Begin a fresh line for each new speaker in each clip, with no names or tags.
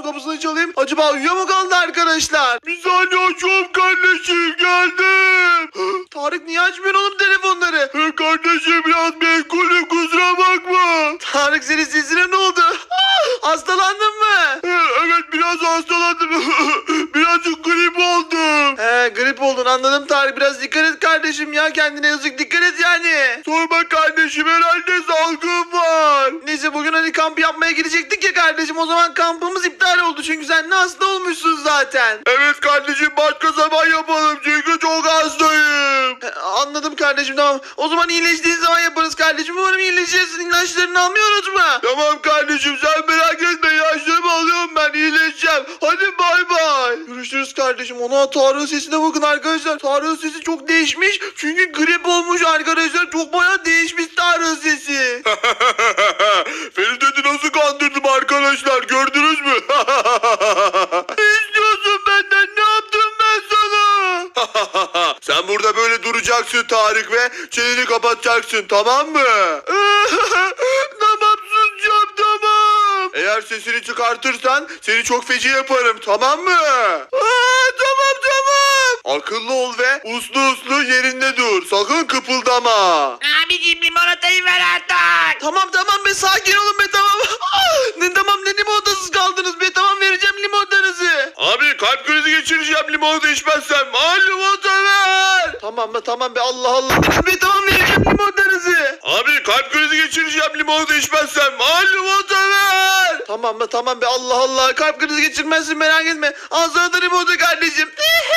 kapısını çalayım. Acaba uyuyor mu kaldı arkadaşlar? Bir saniye açıyorum kardeşim, geldim. Tarık niye açmıyorsun oğlum telefonları? Kardeşim biraz meşgulüm, kusura bakma. Tarık senin sesine ne oldu? Hastalandın mı? Evet biraz hastalandım. Birazcık grip oldum. Grip oldun, anladım Tarık. Biraz dikkat et kardeşim ya, kendine yazık, dikkat et yani. Sorma kardeşim, herhalde salgın var. Neyse bugün hani kamp yapmaya gidecektik ya kardeşim, o zaman kampımız iptal oldu çünkü sen de hasta olmuşsun zaten. Evet kardeşim, başka zaman yapalım çünkü çok hastayım. Anladım kardeşim, tamam. O zaman iyileştiğin zaman yaparız kardeşim. Umarım iyileşirsin, ilaçlarını almayı unutma. Tamam kardeşim, sen merak etme, ilaçlarımı alıyorum ben, iyileşeceğim. Hadi bay bay. Görüşürüz kardeşim. Ona Tarık'ın sesine bakın arkadaşlar. Tarık'ın sesi çok değişmiş çünkü grip olmuş arkadaşlar. Çok bayağı değişmiş Tarık'ın sesi. Ferit'i nasıl kandırdım arkadaşlar, gördünüz mü? Ne istiyorsun benden, ne yaptım ben sana? Sen burada böyle duracaksın Tarık ve çeneni kapatacaksın, tamam mı? Tamam, susacağım, tamam. Eğer sesini çıkartırsan seni çok feci yaparım, tamam mı? Tamam. Akıllı ol ve uslu yerinde dur. Sakın kıpıldama.
Abicim limonatayı ver artık.
Tamam be, sakin olun be, tamam. Ne limonatasız kaldınız be, tamam vereceğim limonatanızı. Abi kalp krizi geçireceğim limonata içmezsem. Limonata ver. Tamam be, Allah. Be tamam, vereceğim limonatanızı. Abi kalp krizi geçireceğim limonata içmezsem. Limonata ver. Tamam be, Allah. Kalp krizi geçirmezsin, merak etme. Al sana da limonata kardeşim.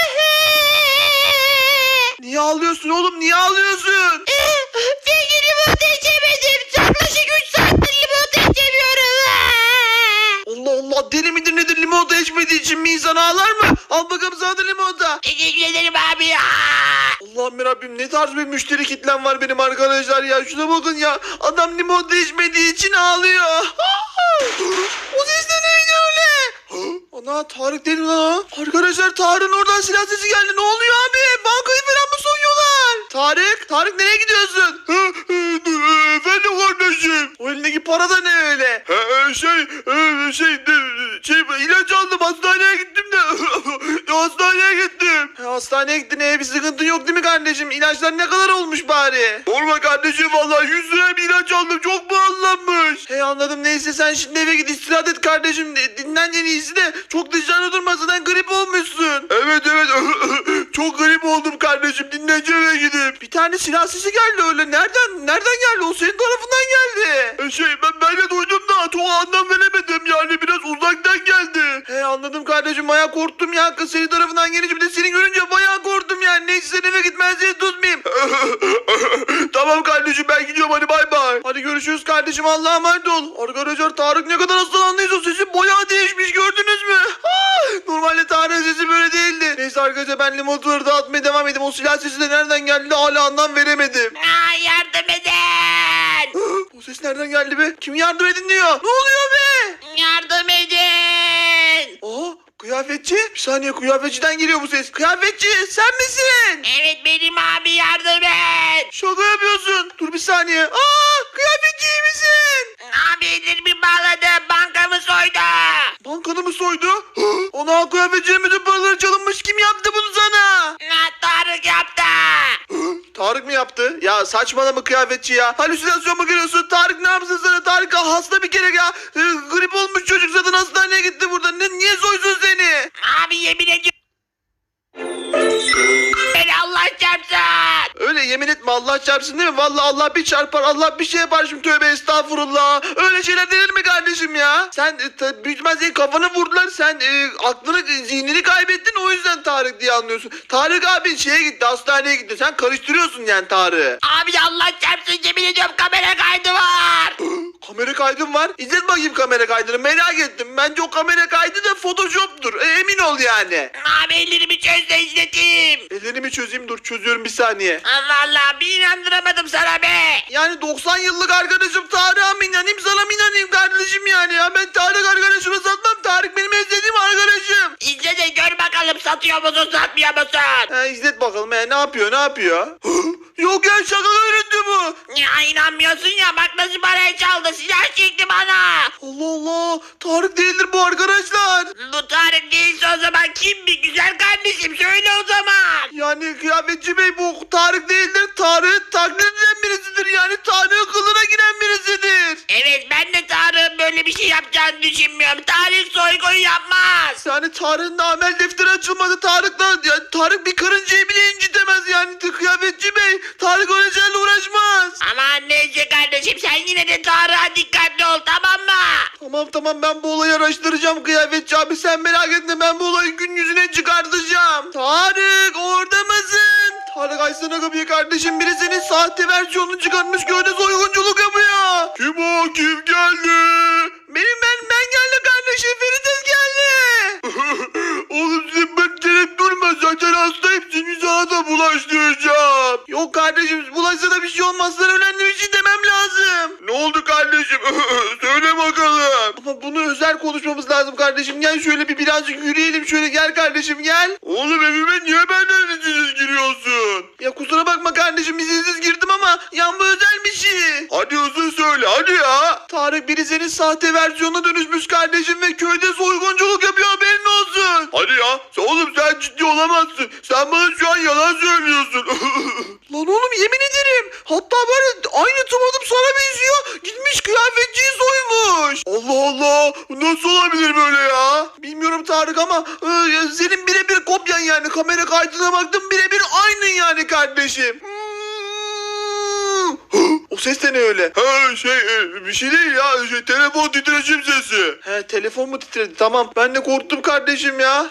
Niye ağlıyorsun oğlum, niye ağlıyorsun?
Peki limonata içemedim. Yaklaşık 3 saattir limonata içemiyorum.
Allah, deli midir nedir, limonata içmediği için mi insan ağlar mı? Al bakalım sana da limonata.
Teşekkür ederim abi ya.
Allah'ım yarabbim, ne tarz bir müşteri kitlem var benim arkadaşlar ya. Şuna bakın ya, adam limonata içmediği için ağlıyor. O ses de neydi öyle? Ana, Tarık değil mi lan o? Arkadaşlar Tarık'ın oradan silah sesi geldi. Ne oluyor abi? Bankayı falan mı soyuyorlar? Tarık nereye gidiyorsun? Efendim kardeşim. O elindeki para da ne öyle? İlaç aldım, hastaneye gittim de. Hastaneye gittim. Hastaneye gittin, bir sıkıntın yok değil mi kardeşim? İlaçlar ne kadar olmuş bari? Olma kardeşim, vallahi 100 liraya bir ilaç aldım, çok pahalanmış. Anladım, neyse sen şimdi eve git, istirahat et kardeşim. Dinlen en iyisi de, çok dışarıda durma, zaten grip olmuşsun. Evet çok grip oldum kardeşim, dinleneceğim eve gidip. Bir tane silah sesi geldi öyle, nereden geldi, o senin tarafından geldi. Ben de duydum da çok anlam veremedim, yani biraz uzaktan geldi. Anladım kardeşim, bayağı korktum ya, kız senin tarafından gelince, bir de seni görünce bayağı korktum yani. Neyse sen eve git, ben seni tutmayayım. Tamam kardeşim, ben gidiyorum, hadi bay bay. Hadi görüşürüz kardeşim, Allah'a emanet ol. Arkadaşlar Tarık ne kadar hastalandıysa sesi bayağı değişmiş, gördünüz mü? Normalde Tarık'ın sesi böyle değildi. Neyse arkadaşlar, ben limonataları dağıtmaya devam edeyim. O silah sesi de nereden geldi hala anlam veremedim.
Yardım edin.
O ses nereden geldi be? Kim yardım edin diyor? Ne oluyor be?
Yardım edin.
Kıyafetçi? Bir saniye, kıyafetçiden geliyor bu ses. Kıyafetçi sen misin?
Evet benim abi, yardım et.
Şaka yapıyorsun. Dur bir saniye. Kıyafetçi iyi misin?
Abi ellerimi bağladı, bankamı soydu.
Bankanı mı soydu? Ona kıyafetçinin bütün paraları çalınmış. Kim yaptı bunu sana?
Tarık yaptı.
Tarık mı yaptı? Ya saçmalama kıyafetçi ya. Halüsinasyon mu görüyorsun? Tarık ne yapsın sana? Tarık hasta bir kere ya. Grip olmuş çocuk, zaten hastaneye gitti burada. Niye soysun seni?
Abi yemin ediyorum. Beni Allah çarpsın.
Öyle yemin etme, Allah çarpsın değil mi? Vallahi Allah bir çarpar, Allah bir şey yapar şimdi, tövbe estağfurullah. Öyle şeyler denir mi kardeşim ya? Sen büyük ihtimalle senin kafanı vurdular, sen aklını, zihnini kaybettin, o yüzden Tarık diye anlıyorsun. Tarık abin şeye gitti, hastaneye gitti, sen karıştırıyorsun yani Tarık'ı.
Abi Allah çarpsın, yemin ediyorum kamera kaydı var.
Kamera kaydım var. İzlet bakayım kamera kaydını, merak ettim. Bence o kamera kaydı da photoshop'tur. Emin ol yani.
Abi ellerimi çöz de izleteyim.
Ellerimi çözeyim, dur çözüyorum bir saniye.
Allah Allah, bir inandıramadım sana be.
Yani 90 yıllık arkadaşım Tarık'a mı inanayım, sana mı inanayım kardeşim yani ya? Ben Tarık arkadaşımı satmam. Tarık benim özlediğim arkadaşım.
İzle de gör bakalım, satıyor musun satmıyor musun?
İzlet bakalım ne yapıyor? Yok ya, şaka görüntü bu.
Ya inanmıyorsun ya, bak nasıl parayı çaldı. aldı. Silah çekti bana.
Allah Allah. Tarık değildir bu arkadaşlar.
Bu Tarık değilse o zaman kim bir güzel kardeşim? Söyle o zaman.
Yani kıyafetçi bey bu Tarık değildir. Tarık taklit eden birisidir. Yani Tarık'ın kılına giren birisidir.
Evet ben de Tarık'ın böyle bir şey yapacağını düşünmüyorum. Tarık soygun yapmaz.
Yani Tarık'ın da amel defteri açılmadı. Tarık bir karıncayı bile incitemez yani kıyafetçi bey. Tarık öyle şeylerle uğraşmaz.
Aman neyse kardeşim sen yine de Tarık'a dikkatli ol tamam mı?
Tamam ben bu olayı araştıracağım kıyafetçi abi. Sen merak etme ben bu olayı gün yüzüne çıkartacağım. Tarık orada mısın? Tarık açsana kapıyı kardeşim. Biri senin sahte versiyonunu çıkartmış köyde soygunculuk yapıyor. Kim o? Kim geldi? Ben geldim kardeşim. Ferites geldi. Oğlum sen ben durma. Zaten hastayım. Seni sana da bulaştıracağım. Yok kardeşim bulaşsa da bir şey olmaz. Sana önemli bir şey demem lazım. Ne oldu kardeşim? Söyle bakalım. Ama bunu özel konuşmamız lazım kardeşim. Gel şöyle birazcık yürüyelim. Şöyle gel kardeşim gel. Oğlum evime niye benden izinsiz giriyorsun? Ya kusura bakma kardeşim izinsiz girdim ama yan bu özel bir şey. Hadi hızlı söyle hadi ya. Tarık biri senin sahte versiyonuna dönüşmüş kardeşim ve köyde soygunculuk yapıyor haberin olsun. Hadi ya oğlum sen ciddi olamazsın. Sen bana şu an yalan söylüyorsun. Lan oğlum yemin ederim. Hatta böyle aynı tımadım sana benziyor. Gitmiş kıyafetçiyi soymuş. Allah Allah. Nasıl olabilir böyle ya? Bilmiyorum Tarık ama senin birebir kopyan yani. Kamera kaydına baktım birebir aynı yani kardeşim. O ses de ne öyle? Bir şey değil ya. Telefon titreşim sesi. He telefon mu titredi? Tamam ben de korktum kardeşim ya.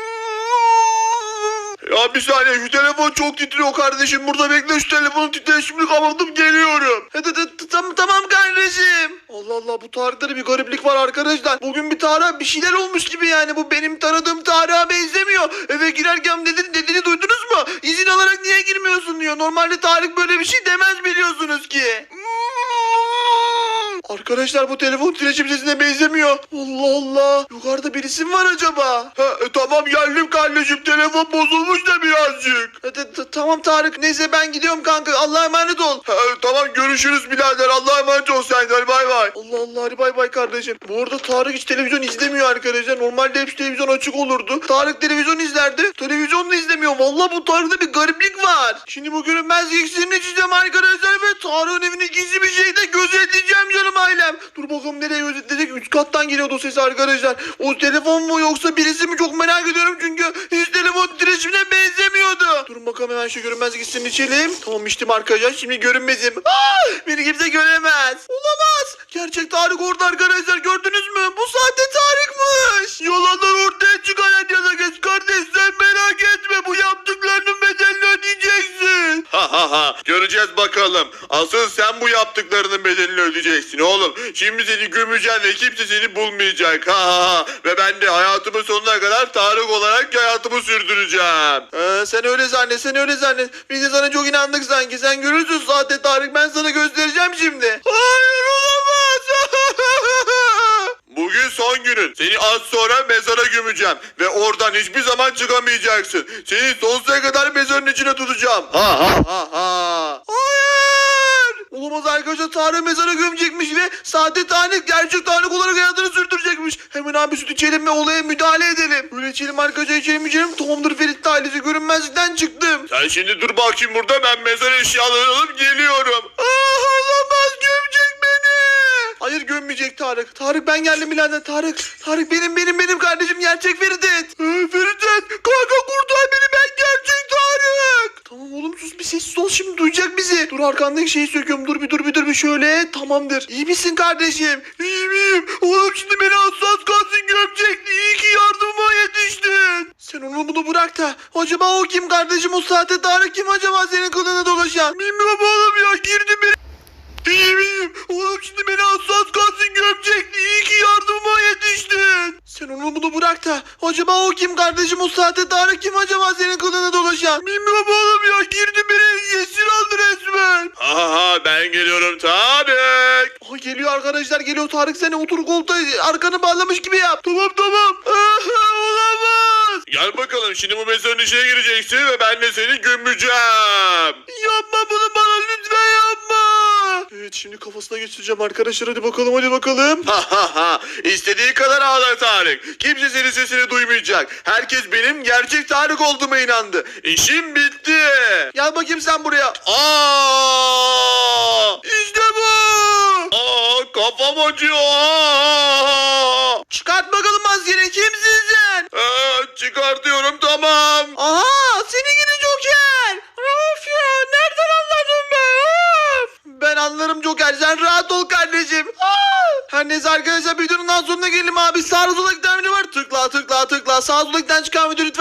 Ya bir saniye şu telefon çok titriyor kardeşim. Burada bekle şu telefonun titreşimini kapatıp geliyorum. Tamam kardeşim. Allah Allah bu Tarık'ta da bir gariplik var arkadaşlar. Bugün bir Tarık'a bir şeyler olmuş gibi yani. Bu benim tanıdığım Tarık'a benzemiyor. Eve girerken dediğini duydunuz mu? İzin alarak niye girmiyorsun diyor. Normalde Tarık böyle bir şey demez biliyorsunuz ki. Arkadaşlar bu telefon titreşim sesine benzemiyor. Allah Allah. Yukarıda birisi mi var acaba? Tamam geldim kardeşim. Telefon bozulmuş da birazcık. Tamam Tarık. Neyse ben gidiyorum kanka. Allah'a emanet ol. Tamam görüşürüz birader. Allah'a emanet ol sen. Hadi bay bay. Allah Allah hadi bay bay kardeşim. Bu arada Tarık hiç televizyon izlemiyor arkadaşlar. Normalde hep televizyon açık olurdu. Tarık televizyon izlerdi. Televizyon da izlemiyor. Vallahi bu Tarık'ta bir gariplik var. Şimdi bu görünmez iksirini içeceğim arkadaşlar ve Tarık'ın evini gizli bir şekilde gözetleyeceğim canım ailem. Dur bakalım nereye gözetleyecek? Üst kattan geliyordu o ses arkadaşlar. O telefon mu yoksa birisi mi çok merak ediyorum çünkü hiç telefon titreşimine benzemiyordu. Durun bakalım hemen şu görünmez iksirini içelim. Tamam içtim arkadaşlar şimdi görünmezim. Beni kimse göremez. Olamaz. Gerçek Tarık orada arkadaşlar gördünüz mü? Bu sahte Tarık'mış. Yalanlar ortaya çıkan her yana geç kardeş sen merak etme bu yaptıklarının bedelini ödeyeceksin. Göreceğiz bakalım. Asıl sen bu yaptıklarının bedelini ödeyeceksin oğlum. Şimdi seni gömeceğim ve kimse seni bulmayacak. Ve ben de hayatımın sonuna kadar Tarık olarak hayatımı sürdüreceğim. Sen öyle zannet. Biz de sana çok inandık sanki. Sen görürsün sahte Tarık ben sana göstereceğim şimdi. Hayır olamaz. Bugün son günün. Seni az sonra mezara gömeceğim. Ve oradan hiçbir zaman çıkamayacaksın. Seni sonsuza kadar mezarın içine tutacağım. Hayır. Olamaz arkadaşlar Tarık mezara gömecekmiş ve sahte Tarık gerçek Tarık olarak hayatını sürdürecekmiş. Hemen abi süt içelim ve olaya müdahale edelim. Böyle içelim arkadaşlar içelim. Tamamdır Ferit ailesi görünmezlikten çıktım. Sen şimdi dur bakayım burada ben mezar eşyalarını alıp geliyorum. Olamaz gömecek beni. Hayır gömmeyecek Tarık. Tarık ben geldim birader Tarık. Tarık benim kardeşim gerçek Feridet. Feridet kanka kurtar beni ben gerçek Tarık. Tamam oğlum sus bir sessiz ol şimdi duyacak bizi. Dur arkandaki şeyi söküyorum dur bir şöyle tamamdır. İyi misin kardeşim? İyiyim. Oğlum şimdi beni az kalsın gömecekti. İyi ki yardıma yetiştin. Sen onu bunu bırak da. Acaba o kim kardeşim o sahte Tarık kim acaba senin kılığına dolaşan? Bilmiyorum oğlum ya girdi beni. İyiyim. Oğlum şimdi beni az kalsın gömecekti. İyi ki yardıma yetiştin. Sen onu bunu bırak da. Acaba o kim kardeşim o sahte Tarık kim acaba senin kılığına dolaşan? Bilmiyorum oğlum ya girdi beni esir aldı resmen. Ben geliyorum Tarık. Geliyor arkadaşlar geliyor Tarık seni otur koltuğa arkanı bağlamış gibi yap. Tamam. Olamaz. Gel bakalım şimdi bu mezarın içine gireceksin ve ben de seni gömeceğim. Yapma bunu bana lütfen yapma. Evet, şimdi kafasına geçireceğim arkadaşlar, hadi bakalım hadi bakalım. İstediği kadar ağla Tarık. Kimse senin sesini duymayacak. Herkes benim gerçek Tarık olduğuma inandı. İşim bitti. Gel bakayım sen buraya. İşte bu. Kafam acıyor. Çıkart bakalım maskeni, kimsin sen? Çıkartıyorum, tamam. Aha, seni gidi Joker. Of ya, nereden anladın be? Of. Ben anlarım Joker, sen rahat ol kardeşim. Her neyse arkadaşlar, videonun daha sonuna gelelim abi. Sağ sola giden video var. Tıkla tıkla tıkla. Sağ sola giden çıkan video lütfen.